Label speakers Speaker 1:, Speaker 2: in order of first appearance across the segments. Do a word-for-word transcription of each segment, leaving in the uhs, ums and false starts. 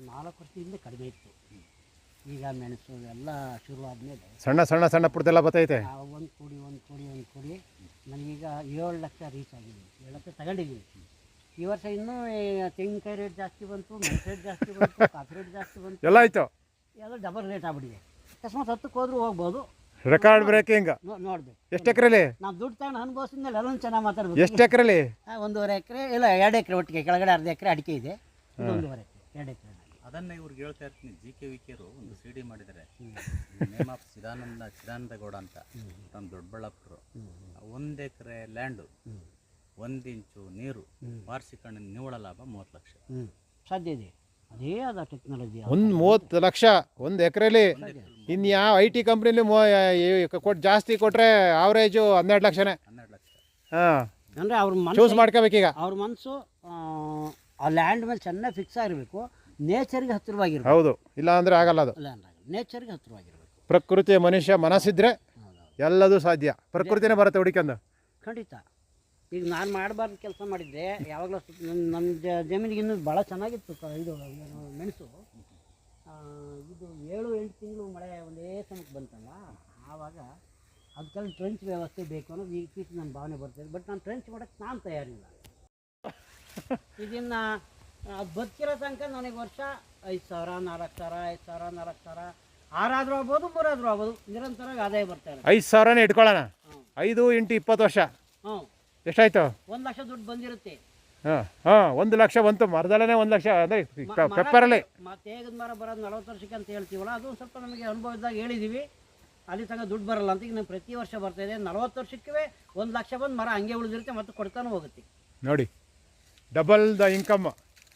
Speaker 1: ನಾಲ್ಕು ವರ್ಷದಿಂದ ಕಡಿಮೆ ಇತ್ತು. ಈಗ ಮೆಣಸು ಎಲ್ಲ ಶುರು ಆದಮೇಲೆ
Speaker 2: ಸಣ್ಣ ಸಣ್ಣ ಸಣ್ಣ ಪುಟ್ಟದೆಲ್ಲ ಬರ್ತೈತೆ.
Speaker 1: ಒಂದು ಕೂಡಿ ಒಂದು ಕೂಡಿ ಒಂದು ಕೂಡಿ ನನಗೀಗ ಏಳು ಲಕ್ಷ ರೀಚ್ ಆಗಿದ್ದೀನಿ, ಏಳು ಲಕ್ಷ ತಗೊಂಡಿದ್ದೀನಿ. ಈ ವರ್ಷ ಇನ್ನೂ ತೆಂಗಿನಕಾಯಿ ರೇಟ್ ಜಾಸ್ತಿ ಬಂತು, ಮೆಣಸು ರೇಟ್ ಜಾಸ್ತಿ ಬಂತು, ಕಾಫಿ ರೇಟ್ ಜಾಸ್ತಿ ಬಂತು,
Speaker 2: ಎಲ್ಲ ಆಯಿತು.
Speaker 1: ಎಲ್ಲ ಡಬಲ್ ರೇಟ್ ಆಗ್ಬಿಟ್ಟಿದೆ. ಅಕಸ್ಮಾತ್ ಹತ್ತಕ್ಕೆ ಹೋದ್ರೂ ಹೋಗ್ಬೋದು.
Speaker 2: Record breaking.
Speaker 1: ನೋಡ್ಬೇಕು
Speaker 2: ಎಷ್ಟು ಎಕರೆಲಿ
Speaker 1: ನಾವು ದುಡ್ಡು ತಗೊಂಡು ಅನುಭವಿಸಿದ್ಮೇಲೆ ಎಲ್ಲೊಂದು ಚೆನ್ನಾಗಿ ಮಾತಾಡ್ಬೇಕು.
Speaker 2: ಎಷ್ಟು ಎಕರೆಲಿ?
Speaker 1: ಒಂದೂವರೆ ಎಕರೆ ಇಲ್ಲ ಎರಡು ಎಕರೆ ಒಟ್ಟಿಗೆ, ಕೆಳಗಡೆ ಅರ್ಧ ಎಕರೆ ಅಡಿಕೆ ಇದೆ, ಒಂದೂವರೆ ಎಕರೆ ಎರಡು ಎಕರೆ.
Speaker 3: ಅದನ್ನ ಇವ್ರಿಗೆ ಹೇಳ್ತಾ ಇರ್ತೀನಿ, ಜಿ ಕೆ ವಿ ಕೆರು ಒಂದು ಸಿ ಡಿ ಮಾಡಿದ್ದಾರೆ, ನೇಮ್ ಆಫ್ ಚಿದಾನಂದ ಚಿದಾನಂದ ಗೌಡ ಅಂತ, ನಮ್ಮ ದೊಡ್ಡಬಳ್ಳಾಪುರ. ಒಂದು ಎಕರೆ ಲ್ಯಾಂಡು, ಒಂದು ಇಂಚು ನೀರು, ವಾರ್ಷಿಕ ನಿವ್ವಳ ಲಾಭ ಮೂವತ್ತು ಲಕ್ಷ
Speaker 1: ಸಾಧ್ಯ ಇದೆ. ಅದೇ ಅದ ಟೆಕ್ನಾಲಜಿ.
Speaker 2: ಒಂದು ಮೂವತ್ತು ಲಕ್ಷ ಒಂದು ಎಕರೆಲಿ. ಇನ್ನು ಯಾವ ಐ ಟಿ ಕಂಪ್ನಿಲಿ ಕೊಟ್ಟು ಜಾಸ್ತಿ ಕೊಟ್ಟರೆ ಆವ್ರೇಜು ಹನ್ನೆರಡು ಲಕ್ಷನೇ.
Speaker 3: ಹನ್ನೆರಡು ಲಕ್ಷ
Speaker 2: ಹಾಂ,
Speaker 1: ಅಂದರೆ ಅವ್ರ ಮನಸ್ಸು
Speaker 2: ಚೂಸ್ ಮಾಡ್ಕೋಬೇಕೀಗ.
Speaker 1: ಅವ್ರ ಮನಸ್ಸು ಆ ಲ್ಯಾಂಡ್ ಮೇಲೆ ಚೆನ್ನಾಗಿ ಫಿಕ್ಸ್ ಆಗಿರಬೇಕು, ನೇಚರ್ಗೆ ಹತ್ತಿರವಾಗಿರ್ಬೇಕು.
Speaker 2: ಹೌದು, ಇಲ್ಲ ಅಂದರೆ ಆಗಲ್ಲ. ಅದು
Speaker 1: ನೇಚರ್ಗೆ ಹತ್ತಿರವಾಗಿರ್ಬೇಕು.
Speaker 2: ಪ್ರಕೃತಿ ಮನುಷ್ಯ ಮನಸ್ಸಿದ್ರೆ ಎಲ್ಲದೂ ಸಾಧ್ಯ. ಪ್ರಕೃತಿನೇ ಬರುತ್ತೆ ಹುಡುಕಂದು.
Speaker 1: ಖಂಡಿತ. ಈಗ ನಾನು ಮಾಡಬಾರ್ದು ಕೆಲಸ ಮಾಡಿದ್ದೆ ಯಾವಾಗಲೂ. ನನ್ನ ನನ್ನ ಜಮೀನಿಗೆ ಇನ್ನೂ ಭಾಳ ಚೆನ್ನಾಗಿತ್ತು ಇದು ಮೆಣಸು. ಇದು ಏಳು ಎಂಟು ತಿಂಗಳು ಮಳೆ ಒಂದೇ ಸಮಯಕ್ಕೆ ಬಂತಲ್ಲ, ಆವಾಗ ಅದಕ್ಕೆಲ್ಲ ಟ್ರೆಂಚ್ ವ್ಯವಸ್ಥೆ ಬೇಕು ಅನ್ನೋದು ಈಗ ಪೀಸ್ ನನ್ನ ಭಾವನೆ ಬರ್ತಾಯಿದೆ. ಬಟ್ ನಾನು ಟ್ರೆಂಚ್ ಮಾಡೋಕ್ಕೆ ನಾನು ತಯಾರಿಲ್ಲ. ಇದನ್ನು ಅದು ಬದುಕಿರೋ ತನಕ ನನಗೆ ವರ್ಷ ಐದು ಸಾವಿರ ನಾಲ್ಕು ಸಾವಿರ ಐದು ಸಾವಿರ ನಾಲ್ಕು ಸಾವಿರ ಆರಾದರೂ ಆಗ್ಬೋದು, ಮೂರಾದರೂ ಆಗ್ಬೋದು, ನಿರಂತರವಾಗಿ ಆದಾಯ ಬರ್ತಾ ಇದೆ.
Speaker 2: ಐದು ಸಾವಿರನೇ ಇಟ್ಕೊಳ್ಳೋಣ. ಐದು ಇಂಟು ಇಪ್ಪತ್ತು ವರ್ಷ
Speaker 1: ಹ್ಞೂ
Speaker 2: ಎಷ್ಟಾಯ್ತು?
Speaker 1: ಒಂದು ಲಕ್ಷ ದುಡ್ಡು ಬಂದಿರುತ್ತೆ.
Speaker 2: ಹಾಂ ಹಾಂ ಒಂದು ಲಕ್ಷ ಬಂತು. ಮರದಲ್ಲೇ ಒಂದು ಲಕ್ಷ ಅಂದರೆ ಪೆಪ್ಪರಲ್ಲಿ.
Speaker 1: ಮತ್ತೆ ಹೇಗದ ಮರ ಬರೋದು ನಲ್ವತ್ತು ವರ್ಷಕ್ಕೆ ಅಂತ ಹೇಳ್ತೀವಲ್ಲ, ಅದು ಸ್ವಲ್ಪ ನಮಗೆ ಅನುಭವದಾಗ ಹೇಳಿದ್ದೀವಿ. ಅಲ್ಲಿ ತನಕ ದುಡ್ಡು ಬರಲ್ಲ ಅಂತ ಈಗ ನಾನು ಪ್ರತಿ ವರ್ಷ ಬರ್ತಾಯಿದೆ. ನಲ್ವತ್ತು ವರ್ಷಕ್ಕೆ ಒಂದು ಲಕ್ಷ ಬಂದು ಮರ ಹಂಗೆ ಉಳಿದಿರುತ್ತೆ, ಮತ್ತೆ ಕೊಡ್ತಾನೆ ಹೋಗುತ್ತೆ.
Speaker 2: ನೋಡಿ, ಡಬಲ್ ದ ಇನ್ಕಮ್.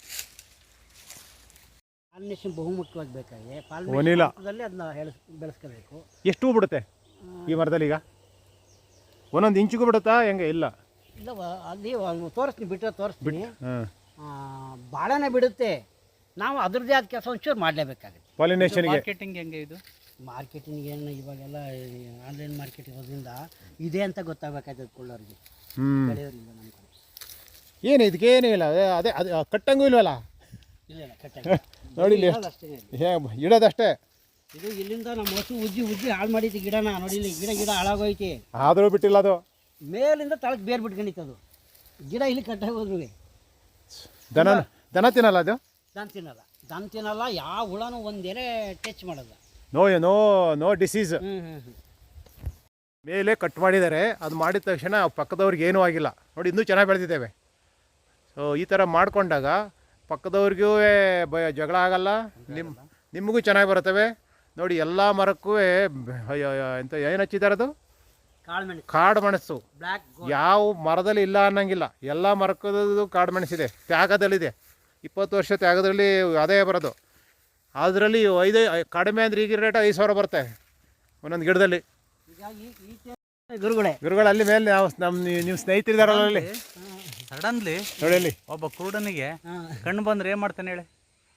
Speaker 1: ಪಾಲಿನೇಷನ್ ಬಹುಮುಖ್ಯವಾಗಿ ಬೇಕಾಗಿದೆ.
Speaker 2: ಒನಿಲ
Speaker 1: ಪಾಲಿನೇಷನ್ ಅದನ್ನ ಹೇಳ ಬೆಳೆಸ್ಕೋಬೇಕು.
Speaker 2: ಎಷ್ಟು ಹೂ ಬಿಡುತ್ತೆ ಈ ಮರದಲ್ಲಿ? ಈಗ ಒಂದೊಂದು ಇಂಚಿಗೂ ಬಿಡುತ್ತಾ ಹೆಂಗೆ? ಇಲ್ಲ
Speaker 1: ಇಲ್ಲ, ಅಲ್ಲಿ ತೋರಿಸ್ತೀನಿ, ಬಿಟ್ಟರೆ ತೋರಿಸ್ತೀನಿ.
Speaker 2: ಹಾಂ,
Speaker 1: ಭಾಳನೇ ಬಿಡುತ್ತೆ. ನಾವು ಅದ್ರದ್ದೇ ಆದ ಕೆಲಸ ಒಂಚೂರು ಮಾಡಲೇಬೇಕಾಗುತ್ತೆ.
Speaker 2: ಪಾಲಿನೇಷನ್ಗೆ
Speaker 3: ಮಾರ್ಕೆಟಿಂಗ್ ಹೆಂಗೆ ಇದು?
Speaker 1: ಮಾರ್ಕೆಟಿಂಗ್ ಏನು ಇವಾಗೆಲ್ಲ ಆನ್ಲೈನ್ ಮಾರ್ಕೆಟ್ ಇರೋದ್ರಿಂದ ಇದೆ ಅಂತ ಗೊತ್ತಾಗಬೇಕಾಯ್ತದೆ ಕೊಳ್ಳೋರಿಗೆ,
Speaker 2: ಹ್ಞೂ
Speaker 1: ಬೆಳೆಯೋರಿಲ್ಲ ನಮ್ಮ ಕಡೆ.
Speaker 2: ಏನು ಇದಕ್ಕೇನೂ ಇಲ್ಲ. ಅದೇ ಅದು ಕಟ್ಟಂಗೂ ಇಲ್ವಲ್ಲ.
Speaker 1: ಇಲ್ಲ ಇಲ್ಲ ಕಟ್ಟ
Speaker 2: ನೋಡಿ ಇಲ್ಲಿ
Speaker 1: ಅಷ್ಟೇ
Speaker 2: ಇಡೋದಷ್ಟೇ.
Speaker 1: ಇದು ಇಲ್ಲಿಂದ ನಮ್ಮ ಹಸು ಉಜ್ಜಿ ಉಜ್ಜಿ ಹಾಳು ಮಾಡೈತಿ ಗಿಡನ. ನೋಡಿ ಇಲ್ಲಿ ಗಿಡ ಗಿಡ ಹಾಳಾಗೋಯ್ತಿ,
Speaker 2: ಆದರೂ ಬಿಟ್ಟಿಲ್ಲ. ಅದು
Speaker 1: ಮೇಲಿಂದ ತಳಕ್ಕೆ ಬೇರೆ ಬಿಟ್ಕೊಂಡಿತ್ತು ಗಿಡ. ಇಲ್ಲಿ ಕಟ್ಟಾಗಿ ಹೋದ್ರು
Speaker 2: ದನ ದನ ತಿನ್ನಲ್ಲ. ಅದು
Speaker 1: ದನ ತಿನ್ನಲ್ಲ, ದನ ತಿನ್ನಲ್ಲ. ಯಾವ ಹುಳನೂ ಒಂದೇನೆ ಟಚ್ ಮಾಡಲ್ಲ.
Speaker 2: No no no disease.
Speaker 1: ಹ್ಞೂ ಹ್ಞೂ ಹ್ಞೂ
Speaker 2: ಮೇಲೆ ಕಟ್ ಮಾಡಿದ್ದಾರೆ. ಅದು ಮಾಡಿದ ತಕ್ಷಣ ಪಕ್ಕದವ್ರಿಗೆ ಏನೂ ಆಗಿಲ್ಲ. ನೋಡಿ, ಇನ್ನೂ ಚೆನ್ನಾಗಿ ಬೆಳೆದಿದ್ದೇವೆ. ಸೊ ಈ ಥರ ಮಾಡಿಕೊಂಡಾಗ ಪಕ್ಕದವ್ರಿಗೂ ಬ ಜಗಳ ಆಗಲ್ಲ, ನಿಮ್ಮ ನಿಮಗೂ ಚೆನ್ನಾಗಿ ಬರ್ತವೆ. ನೋಡಿ, ಎಲ್ಲ ಮರಕ್ಕೂ ಎಂತ ಏನು ಹಚ್ಚಿದ್ದಾರೆ? ಅದು ಕಾಡು ಮೆಣಸು. ಯಾವ ಮರದಲ್ಲಿ ಇಲ್ಲ ಅನ್ನಂಗಿಲ್ಲ, ಎಲ್ಲ ಮರಕ್ಕದು ಕಾಡು ಮೆಣಸಿದೆ. ತ್ಯಾಗದಲ್ಲಿದೆ. ಇಪ್ಪತ್ತು ವರ್ಷ ತ್ಯಾಗದಲ್ಲಿ ಆದಾಯ ಬರೋದು. ಅದರಲ್ಲಿ ಐದು ಕಡಿಮೆ ಅಂದರೆ ಈಗ ರೇಟ್ ಐದು ಸಾವಿರ ಬರುತ್ತೆ ಒಂದೊಂದು ಗಿಡದಲ್ಲಿ.
Speaker 1: ಗುರುಗಳೇ
Speaker 2: ಗುರುಗಳು ಅಲ್ಲಿ ಮೇಲೆ ನಾವು ನಮ್ಮ ನೀವು ಸ್ನೇಹಿತರಿದಾರಲ್ಲ ಅಲ್ಲಿ.
Speaker 3: ಸಡನ್ಲಿ
Speaker 2: ನೋಡಿ, ಅಲ್ಲಿ
Speaker 3: ಒಬ್ಬ ಕುರುಡನಿಗೆ ಕಣ್ಣು ಬಂದ್ರೆ ಏನು ಮಾಡ್ತಾನೆ ಹೇಳಿ?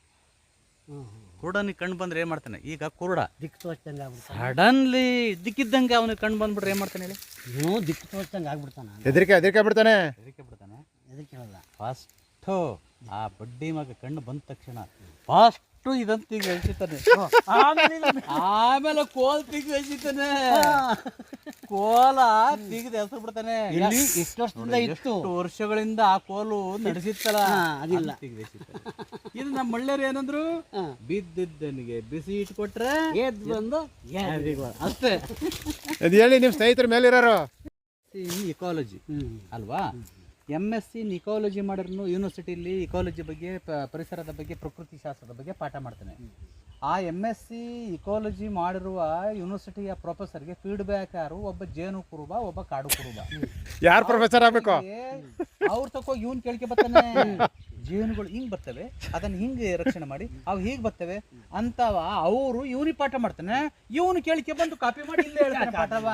Speaker 3: ಕುರುಡನಿಗೆ ಕಣ್ಣು ಬಂದ್ರೆ ಏನು ಮಾಡ್ತಾನೆ? ಈಗ ಕುರುಡ
Speaker 1: ದಿಕ್ಕು ತೋಚ್ದಂಗೆ ಆಗ್ಬಿಡ್ತಾನೆ.
Speaker 3: ಸಡನ್ಲಿ ದಿಕ್ಕಿದ್ದಂಗೆ ಅವನಿಗೆ ಕಣ್ಣು ಬಂದ್ಬಿಟ್ರೆ ಏನು ಮಾಡ್ತಾನೆ ಹೇಳಿ?
Speaker 1: ಏನೋ ದಿಕ್ಕು ತೋಚ್ದಂಗೆ ಆಗ್ಬಿಡ್ತಾನೆ.
Speaker 2: ಹೆದರಿಕೆ ಹೆದರಿಕೆ ಬಿಡ್ತಾನೆ.
Speaker 3: ಹೆದರಿಕೆ ಬಿಡ್ತಾನೆ.
Speaker 1: ಹೆದರಿಕೆ ಹೇಳಲ್ಲ.
Speaker 3: ಫಸ್ಟು ಆ ಬಡ್ಡಿ ಮಗ ಕಣ್ಣು ಬಂದ ತಕ್ಷಣ ಫಸ್ಟು ಇದಂತ ಈಗ ಎಳ್ಸಿತಾನೆ, ಆಮೇಲೆ ಕೋಲ್ ತೆಗೆದು ಎಳ್ಸಿತಾನೆ. ಕೋಲ ತೆಗೆದು ಎಸರು ಬಿಡ್ತಾನೆ.
Speaker 1: ಎಷ್ಟು ವರ್ಷದಿಂದ ಇತ್ತು,
Speaker 3: ವರ್ಷಗಳಿಂದ ಆ ಕೋಲು ನಡೆಸಿತ್ತಲ್ಲ,
Speaker 1: ಅದಿಲ್ಲ.
Speaker 3: ಇದು ನಮ್ಮ ಮಳ್ಳೆಯರು ಏನಂದ್ರು, ಬಿದ್ದಿದ್ದನಿಗೆ ಬಿಸಿ ಇಟ್ಕೊಟ್ರೆ
Speaker 1: ಎದ್ದು ಬಂದು
Speaker 3: ಅಷ್ಟೇ.
Speaker 2: ಅದು ಹೇಳಿ ನಿಮ್ಮ ಸ್ನೇಹಿತರ ಮೇಲಿರೋರು.
Speaker 3: ಇಕಾಲಜಿ ಅಲ್ವಾ? ಎಮ್ ಎಸ್ ಸಿ ಇಕಾಲಜಿ ಮಾಡಿದ್ರು ಯೂನಿವರ್ಸಿಟಿಲಿ ಇಕಾಲಜಿ ಬಗ್ಗೆ, ಪರಿಸರದ ಬಗ್ಗೆ, ಪ್ರಕೃತಿ ಶಾಸ್ತ್ರದ ಬಗ್ಗೆ ಪಾಠ ಮಾಡ್ತಾನೆ. ಆ ಎಮ್ ಎಸ್ ಸಿ ಇಕಾಲಜಿ ಮಾಡಿರುವ ಯೂನಿವರ್ಸಿಟಿಯ ಪ್ರೊಫೆಸರ್ಗೆ ಫೀಡ್ಬ್ಯಾಕ್ ಯಾರು? ಒಬ್ಬ ಜೇನು ಕುರುಬ, ಒಬ್ಬ ಕಾಡು ಕುರುಬ.
Speaker 2: ಯಾರು ಪ್ರೊಫೆಸರ್ ಆಗಬೇಕು?
Speaker 3: ಅವ್ರ ತಕೋಗಿ ಇವನ್ ಕೇಳ್ಕೆ ಬರ್ತಾನೆ. ಜೇನುಗಳು ಹಿಂಗ್ ಬರ್ತವೆ, ಅದನ್ನ ಹಿಂಗೆ ರಕ್ಷಣೆ ಮಾಡಿ ಅವು ಹೀಗೆ ಬರ್ತವೆ ಅಂತವ. ಅವರು ಇವನಿಗೆ ಪಾಠ ಮಾಡ್ತಾನೆ, ಇವನು ಕೇಳಿಕೆ ಬಂದು ಕಾಪಿ ಮಾಡಿ ಇಲ್ಲೇ ಹೇಳ್ತಾನೆ ಪಾಠವಾ.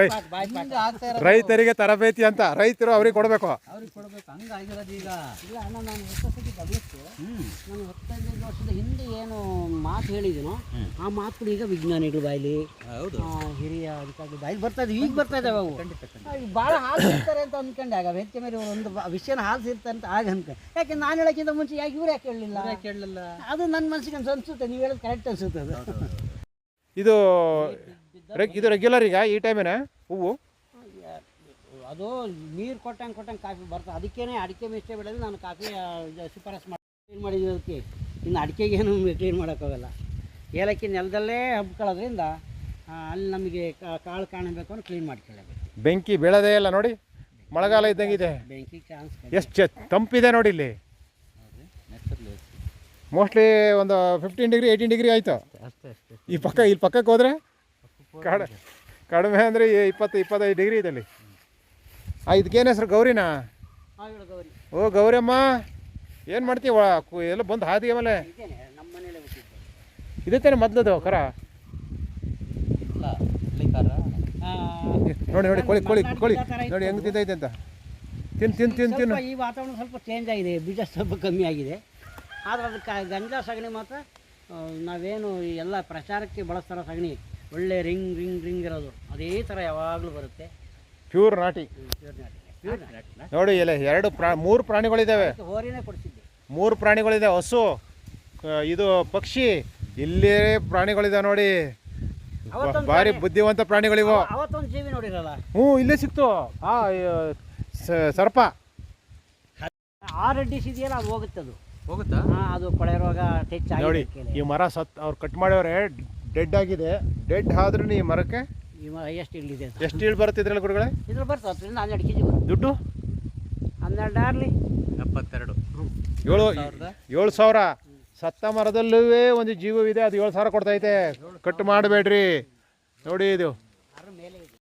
Speaker 2: ರೈತರಿಗೆ ತರಬೇತಿ ಅಂತ ರೈತರು ಅವ್ರಿಗೆ ಕೊಡಬೇಕು,
Speaker 3: ಅವ್ರಿಗೆ ಕೊಡ್ಬೇಕು. ಹಂಗಾಗಿರೋದು ಈಗ.
Speaker 1: ಇಲ್ಲ ಅಣ್ಣ, ನಾನು ಎಷ್ಟೊತ್ತಿಗೆ ಗಮನಿಸ್ತು, ನಾನು ಹತ್ತೈದು ವರ್ಷದ ಹಿಂದೆ ಏನು ಮಾತು ಹೇಳಿದೀನೋ ಆ ಮಾತುಗಳು ಈಗ ವಿಜ್ಞಾನಿಗಳು ಬಾಯ್ಲಿ, ಹಿರಿಯ ಅಧಿಕಾರಿಗಳು ಬಾಯ್ಲಿ ಬರ್ತಾ ಇದ್ವಿ. ಈಗ ಬರ್ತಾ ಇದ್ದಾವೆ ಅವು. ಭಾಳ ಹಾಲು ಸಿಗ್ತಾರೆ ಅಂತ ಅಂದ್ಕೊಂಡೆ. ಆಗ ಹೆಚ್ಚು ಮೇಲೆ ಒಂದು ವಿಷಯನ ಹಾಲು ಸಿಗ್ತಾರೆ ಅಂತ ಆಗ ಅನ್ಕೊಂಡೆ. ಯಾಕೆ ನಾನು ಹೇಳೋಕ್ಕಿಂತ ಮುಂಚೆ ಯಾಕೆ ಇವ್ರು ಯಾಕೆ ಹೇಳಲಿಲ್ಲ
Speaker 3: ಕೇಳಲಿಲ್ಲ.
Speaker 1: ಅದು ನನ್ನ ಮನಸ್ಸಿಗೆ ಅನ್ಸ ಅನ್ಸುತ್ತೆ, ನೀವು ಹೇಳೋದು ಕರೆಕ್ಟ್ ಅನ್ಸುತ್ತೆ ಅದು.
Speaker 2: ಇದು ರೆಗ್ ಇದು ರೆಗ್ಯುಲರ್ ಈಗ ಈ ಟೈಮಿನ ಹೂವು
Speaker 1: ಅದು ನೀರು ಕೊಟ್ಟಂಗೆ ಕೊಟ್ಟಂಗೆ ಕಾಫಿ ಬರ್ತದೆ. ಅದಕ್ಕೇ ಅಡಿಕೆ ಮಿಸ್ಟೇ ಬೆಳೆದು ನಾನು ಕಾಫಿ ಶಿಫಾರಸ್ ಮಾಡಿ ಕ್ಲೀನ್ ಮಾಡಿದ್ದಕ್ಕೆ. ಇನ್ನು ಅಡಿಕೆಗೇನು ಕ್ಲೀನ್ ಮಾಡೋಕ್ಕಾಗಲ್ಲ. ಏಲಕ್ಕಿ ನೆಲದಲ್ಲೇ ಹಬ್ಕೊಳ್ಳೋದ್ರಿಂದ ಅಲ್ಲಿ ನಮಗೆ ಕಾಳು ಕಾಣಬೇಕು ಅಂದ್ರೆ ಕ್ಲೀನ್ ಮಾಡ್ಕೊಳ್ಳಬೇಕು.
Speaker 2: ಬೆಂಕಿ ಬೀಳೋದೇ ಇಲ್ಲ ನೋಡಿ, ಮಳೆಗಾಲ ಇದ್ದಂಗಿದೆ.
Speaker 1: ಬೆಂಕಿ ಚಾನ್ಸ್
Speaker 2: ಎಷ್ಟು ತಂಪಿದೆ ನೋಡಿ ಇಲ್ಲಿ. ಮೋಸ್ಟ್ಲಿ ಒಂದು ಫಿಫ್ಟೀನ್ ಡಿಗ್ರಿ ಏಯ್ಟೀನ್ ಡಿಗ್ರಿ ಆಯಿತು
Speaker 1: ಅಷ್ಟೇ ಅಷ್ಟೇ.
Speaker 2: ಈ ಪಕ್ಕ ಇಲ್ಲಿ ಪಕ್ಕಕ್ಕೆ ಹೋದರೆ ಕಡ ಕಡಿಮೆ ಅಂದರೆ ಇಪ್ಪತ್ತು ಇಪ್ಪತ್ತೈದು ಡಿಗ್ರಿ ಇದೆ ಅಲ್ಲಿ. ಆ ಇದಕ್ಕೇನು ಹೆಸರು ಗೌರಿನಾ?
Speaker 1: ಗೌರಿ.
Speaker 2: ಓ ಗೌರಮ್ಮ, ಏನು ಮಾಡ್ತೀವ ಎಲ್ಲ ಬಂದು ಹಾದಿಗೆ ಮೇಲೆ
Speaker 1: ಇದೇನೆ ನಮ್ಮ ಮನೇಲೆ ಹುಟ್ಟಿದ್ದು.
Speaker 2: ಇದೇ ತಾನೆ ಮೊದಲದು ಕರ.
Speaker 3: ಇಲ್ಲ ಹಳ್ಳಿಕಾರ.
Speaker 2: ನೋಡಿ ನೋಡಿ ಕೋಳಿ ಕೋಳಿ ಕೋಳಿ ನೋಡಿ ಹೆಂಗೆ ತಿಂತೈತೆ ಅಂತ. ತಿನ್ ತಿನ್ ತಿನ್ ತಿನ್ನು.
Speaker 1: ಈ ವಾತಾವರಣ ಸ್ವಲ್ಪ ಚೇಂಜ್ ಆಗಿದೆ, ಬೀಜ ಸ್ವಲ್ಪ ಕಮ್ಮಿ ಆಗಿದೆ. ಆದರೆ ಅದಕ್ಕೆ ಗಂಜಾ ಸಗಣಿ ಮಾತ್ರ ನಾವೇನು ಎಲ್ಲ ಪ್ರಚಾರಕ್ಕೆ ಬಳಸ್ತಾರೋ ಸಗಣಿ, ಒಳ್ಳೆ ರಿಂಗ್ ರಿಂಗ್ ರಿಂಗ್ ಇರೋದು ಅದೇ ಥರ ಯಾವಾಗಲೂ ಬರುತ್ತೆ.
Speaker 2: ಪ್ಯೂರ್ ನಾಟಿ
Speaker 1: ಪ್ಯೂರ್ ನಾಟಿ. ಪ್ಯೂರ್ ನಾಟಿ
Speaker 2: ನೋಡಿ. ಇಲ್ಲ ಎರಡು ಪ್ರಾ ಮೂರು ಪ್ರಾಣಿಗಳಿದ್ದಾವೆ.
Speaker 1: ಹೋರಿನೇ ಕೊಡಿಸಿದ್ದೆ.
Speaker 2: ಮೂರು ಪ್ರಾಣಿಗಳಿದೆ, ಹಸು, ಇದು ಪಕ್ಷಿ, ಇಲ್ಲೇ ಪ್ರಾಣಿಗಳಿದೆ ನೋಡಿ. ಭಾರಿ ಬುದ್ಧಿವಂತ ಪ್ರಾಣಿಗಳಿವು.
Speaker 1: ಅವತ್ತೊಂದು ಜೀವಿ ನೋಡಿರಲ್ಲ.
Speaker 2: ಹ್ಞೂ ಇಲ್ಲೇ ಸಿಕ್ತು ಆ ಸರ್ಪ.
Speaker 1: ಆ ರೆಡ್ಡಿಸ್ ಇದೆಯಲ್ಲ ಅದು ಹೋಗುತ್ತೆ, ಅದು
Speaker 3: ಹೋಗುತ್ತಾ?
Speaker 1: ಹಾಂ, ಅದು ಕೊಳೆ ರೋಗ ಟಚ್
Speaker 2: ನೋಡಿ.
Speaker 1: ಆಗಿದೆ.
Speaker 2: ಈ ಮರ ಸತ್ ಅವ್ರು ಕಟ್ ಮಾಡ್ಯವ್ರೆ, ಡೆಡ್ ಆಗಿದೆ. ಡೆಡ್ ಆದ್ರೂ ಈ ಮರಕ್ಕೆ
Speaker 1: ಎಷ್ಟು ಇಳಿದೆ ಅದು.
Speaker 2: ಎಷ್ಟು ಇಳು ಬರುತ್ತೆ ಇದ್ರಲ್ಲಿ ಗುರುಗಳೇ?
Speaker 1: ಇದ್ರಲ್ಲಿ ಬರ್ತದೆ ಹತ್ತರಿಂದ ಹನ್ನೆರಡು ಕೆ ಜಿ ಬರುತ್ತೆ.
Speaker 2: ದುಡ್ಡು
Speaker 1: ಹನ್ನೆರಡು ಆರ್ಲಿ
Speaker 3: ಎಪ್ಪತ್ತೆರಡು
Speaker 2: ಏಳು ಏಳು ಸಾವಿರ. ಸತ್ತ ಮರದಲ್ಲೂ ಒಂದು ಜೀವವಿದೆ, ಅದು ಏಳು ಸಾವಿರ ಕೊಡ್ತೈತೆ. ಕಟ್ ಮಾಡಬೇಡ್ರಿ ನೋಡಿ ಇದು.